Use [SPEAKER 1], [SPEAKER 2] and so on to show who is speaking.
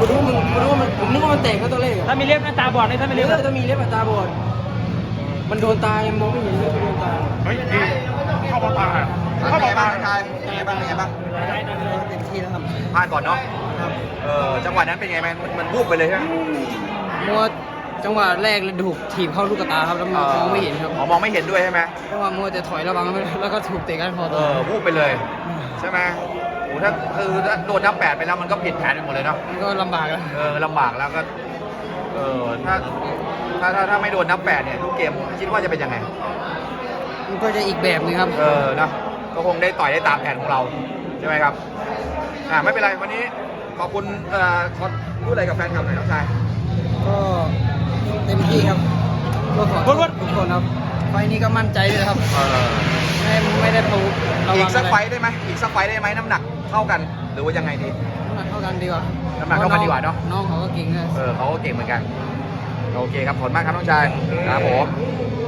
[SPEAKER 1] ผมนึกว่ามันแตกก็ตอนแรก
[SPEAKER 2] ถ้ามีเล็บนะตาบอดเลยถ้าไม่เล็บ
[SPEAKER 1] ถ้ามีเล็บตาบอดมันโดนตายังมองไม่เห็นเลยโดนตา
[SPEAKER 3] เฮ้ยดีเข้ามาตาเข้ามาตาชายเป็นไงบ้างเป็นไงบ้าง
[SPEAKER 1] เต็มที่แล้วครับ
[SPEAKER 3] พลาดก่อนเนาะจังหวะนั้นเป็นไงมันวูบไปเลยใช่ไหม
[SPEAKER 1] มัวจังหวะแรกเลยถูกถีบเข้าลูกตาครับแล้วมองไม่เห็นครับ
[SPEAKER 3] อ๋อมองไม่เห็นด้วยใช่ไหม
[SPEAKER 1] เพราะว่ามัวจะถอยระวังแล้วก็ถูกเตะก้านคอ
[SPEAKER 3] วูบไปเลยใช่ไหมโอ้ถ้าโดนนับ8ไปแล้วมันก็ผิดแผนไปหมดเลยเนาะ
[SPEAKER 1] มันก็ลำบากแล้ว
[SPEAKER 3] ลำบากแล้วก็ถ้าไม่โดนนับ8เนี่ยทุกเกมคิดว่าจะเป็นยังไง
[SPEAKER 1] มันก็จะอีกแบบนึงครับ
[SPEAKER 3] นะก็คงได้ต่อยได้ตามแผนของเราใช่ไหมครับไม่เป็นไรวันนี้ขอบคุณขอพูดอะไรกับแฟนคลับหน่อยน้องชาย
[SPEAKER 1] ก็เต็มที่ครับก็ขอทุกคนครับไฟนี้ก็มั่นใจเลยครับไม่ได้ปูระวัง
[SPEAKER 3] อีกสักไฟได้ไหมอีกสักไฟได้ไหมน้ำหนักเท่ากันหรือว่ายังไงดี
[SPEAKER 1] น้ำหนักเท่ากันดีกว่า
[SPEAKER 3] น้ำหนักเท่ากันดีกว่าเนอะ
[SPEAKER 1] น้องเขาก็เก่งนะ
[SPEAKER 3] เขาก็เก่งเหมือนกันโอเคครับขอบคุณมากครับน้องชายครับผม